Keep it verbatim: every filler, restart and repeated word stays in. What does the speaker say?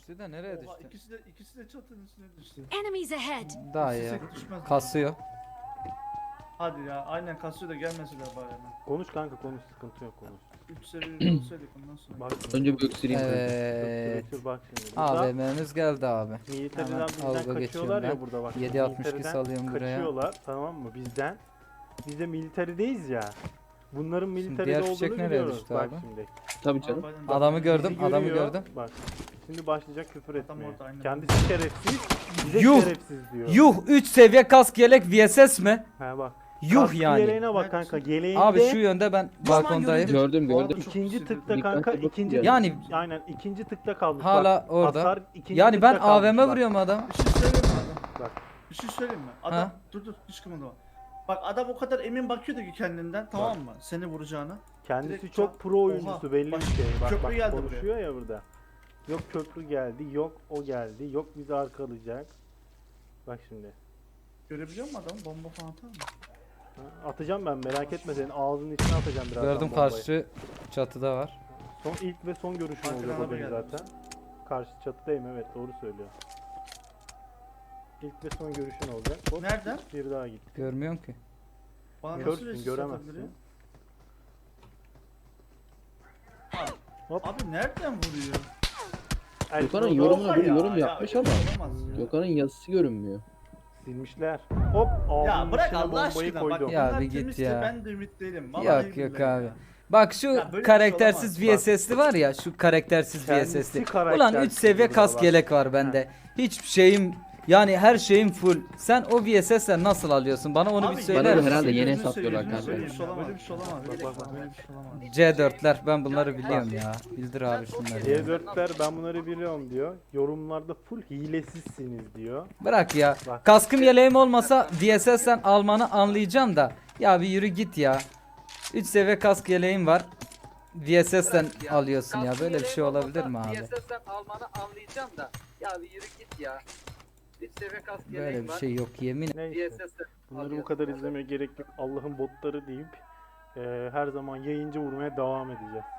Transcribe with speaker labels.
Speaker 1: İkisi de nereye
Speaker 2: Oha,
Speaker 1: düştü?
Speaker 2: ikisi de ikisi de çatının üstüne düştü.
Speaker 3: Enemies ahead!
Speaker 1: Daha ya.
Speaker 2: İstesek düşmez.
Speaker 1: Kasıyor.
Speaker 2: Hadi ya, aynen kasıyor da gelmeseler bari hemen.
Speaker 4: Konuş kanka konuş, sıkıntı yok konuş.
Speaker 2: üç seviyeli olsaydık ondan sonra.
Speaker 4: Bak
Speaker 5: Önce bir öksüreyim.
Speaker 1: Evet.
Speaker 4: Öksür, bak şimdi. Burada
Speaker 1: A V M'miz geldi abi.
Speaker 4: militeriden
Speaker 1: Hemen
Speaker 4: bizden
Speaker 1: alga
Speaker 4: kaçıyorlar
Speaker 1: geçiyorum
Speaker 4: ya
Speaker 1: ben.
Speaker 4: burada bak.
Speaker 1: yedi altmış iki
Speaker 4: Militeriden
Speaker 1: salıyorum buraya.
Speaker 4: Kaçıyorlar tamam mı bizden. Biz de militarideyiz ya. Bunların militeride
Speaker 1: diğer fişek
Speaker 4: olduğunu
Speaker 1: nereye
Speaker 4: biliyoruz.
Speaker 1: düştü
Speaker 4: Bak
Speaker 1: abi?
Speaker 4: şimdi.
Speaker 5: Tabii canım.
Speaker 2: Arabayla-
Speaker 1: Adamı gördüm,
Speaker 4: Bizi
Speaker 1: adamı
Speaker 4: görüyor,
Speaker 1: gördüm.
Speaker 4: Bak. Şimdi başlayacak küfür
Speaker 2: Adam
Speaker 4: etmeye.
Speaker 2: orada, aynen.
Speaker 4: Kendisi şerefsiz, bize
Speaker 1: Yuh!
Speaker 4: şerefsiz diyor.
Speaker 1: Yuh üç seviye kask yelek V S S mi?
Speaker 4: Ha bak.
Speaker 1: Yuh
Speaker 4: Kaskı
Speaker 1: yani.
Speaker 4: Yeleğine bak
Speaker 2: Evet.
Speaker 4: kanka. Yeleğinde
Speaker 1: Abi şu yönde ben balkondayım.
Speaker 5: Gördüm
Speaker 2: Orada
Speaker 5: gördüm.
Speaker 2: çok
Speaker 4: ikinci
Speaker 2: sinirli.
Speaker 4: tıkta
Speaker 5: Dikkatli
Speaker 4: kanka
Speaker 5: bakın
Speaker 4: ikinci
Speaker 5: yani.
Speaker 1: Yani
Speaker 4: aynen ikinci tıkta kalmış.
Speaker 1: hala
Speaker 4: bak.
Speaker 1: orada.
Speaker 4: Hasar ikinci
Speaker 1: Yani ben
Speaker 4: tıkta
Speaker 1: A V M
Speaker 4: kalmış bak.
Speaker 1: vuruyorum adam.
Speaker 2: Bir şey söyleyeyim mi adam?
Speaker 4: Bak.
Speaker 2: Bir şey söyleyeyim mi? Adam
Speaker 1: Ha?
Speaker 2: dur dur hiç kımıldama. Bak adam o kadar emin bakıyordu ki kendinden tamam mı? Seni vuracağına.
Speaker 4: Kendisi
Speaker 2: Direkt
Speaker 4: çok
Speaker 2: çat-
Speaker 4: pro oyuncusu
Speaker 2: Oha,
Speaker 4: belli
Speaker 2: bak,
Speaker 4: bir şey. Bak
Speaker 2: köprü
Speaker 4: bak
Speaker 2: geldi
Speaker 4: konuşuyor ya burada. Yok köprü geldi, yok o geldi, yok bizi arkalayacak. Bak şimdi.
Speaker 2: Görebiliyor musun adamı? Bomba falan atar mı?
Speaker 4: Ha, atacağım ben merak etme senin ağzının içine atacağım birazdan
Speaker 1: Gördüm
Speaker 4: bombayı.
Speaker 1: karşı çatıda var.
Speaker 4: Son ilk ve son görüşüm
Speaker 2: Arkadan
Speaker 4: olacak o
Speaker 2: araba
Speaker 4: benim
Speaker 2: geldi.
Speaker 4: zaten. Karşı çatıdayım evet doğru söylüyor. İlk ve son görüşün olacak. Hop,
Speaker 2: Nereden?
Speaker 4: Bir daha gitti.
Speaker 1: Görmüyorum ki.
Speaker 2: Bana nasıl
Speaker 4: Körsün
Speaker 2: resim
Speaker 4: göremezsin.
Speaker 2: atabiliyor?
Speaker 4: Hop.
Speaker 2: Abi nereden vuruyor?
Speaker 4: El
Speaker 5: Gökhan'ın
Speaker 4: Prado
Speaker 5: yorumuna
Speaker 2: Oha
Speaker 5: bir
Speaker 2: ya,
Speaker 5: yorum
Speaker 2: ya,
Speaker 5: yapmış
Speaker 2: öyle
Speaker 5: ama
Speaker 2: olamaz ya.
Speaker 5: Gökhan'ın yazısı görünmüyor.
Speaker 4: silmişler. Hop
Speaker 2: Ya
Speaker 4: ağzının
Speaker 2: bırak
Speaker 4: içine
Speaker 2: Allah
Speaker 4: bombayı
Speaker 2: aşkına
Speaker 4: koydum.
Speaker 2: bak
Speaker 1: Ya
Speaker 2: bunlar
Speaker 1: bir git
Speaker 2: temizse
Speaker 1: ya.
Speaker 2: ben de ümit değilim. Vallahi
Speaker 1: Yok yok
Speaker 2: billahi
Speaker 1: abi.
Speaker 2: ya.
Speaker 1: Bak şu
Speaker 2: Ya böyle bir şey
Speaker 1: karaktersiz
Speaker 2: olamaz.
Speaker 1: V S S'li var ya şu karaktersiz V
Speaker 4: Kendisi
Speaker 1: S S'li. Ulan
Speaker 4: karaktersiz
Speaker 1: üç seviye
Speaker 4: burada
Speaker 1: kask
Speaker 4: bak.
Speaker 1: yelek var bende. Hiçbir şeyim yani her şeyim full. Sen o V S S'le nasıl alıyorsun? Bana onu
Speaker 2: Abi,
Speaker 1: bir söyler
Speaker 5: Bana da
Speaker 1: misin?
Speaker 5: herhalde yeni
Speaker 2: gözünü
Speaker 5: hesaplıyorlar
Speaker 2: seveyim,
Speaker 5: kanka.
Speaker 2: Böyle bir şey olamaz. Böyle bir şey olamaz.
Speaker 4: Bak, bak, bak.
Speaker 2: Böyle bir şey olamaz.
Speaker 1: C dörtler ben bunları biliyorum ya. Bildir abi şunları.
Speaker 4: C dörtler ben bunları biliyorum diyor. Yorumlarda full hilesizsiniz diyor.
Speaker 1: Bırak ya.
Speaker 4: Bak.
Speaker 1: Kaskım yeleğim olmasa V S S'ten almanı anlayacağım da. Ya bir yürü git ya. üç seviye kask yeleğim var. V S S'ten alıyorsun ya. Böyle bir şey olabilir mi abi?
Speaker 6: V S S'ten almanı anlayacağım da. Ya bir yürü git ya. Bir seviye kask
Speaker 1: Böyle
Speaker 6: yeleğim
Speaker 1: bir
Speaker 6: var.
Speaker 1: şey yok yemin.
Speaker 6: V
Speaker 4: Neyse.
Speaker 6: S S'ten
Speaker 4: Bunları bu
Speaker 6: alıyorsun.
Speaker 4: kadar izlemeye gerek yok. Allah'ın botları deyip e, her zaman yayıncı vurmaya devam edeceğiz.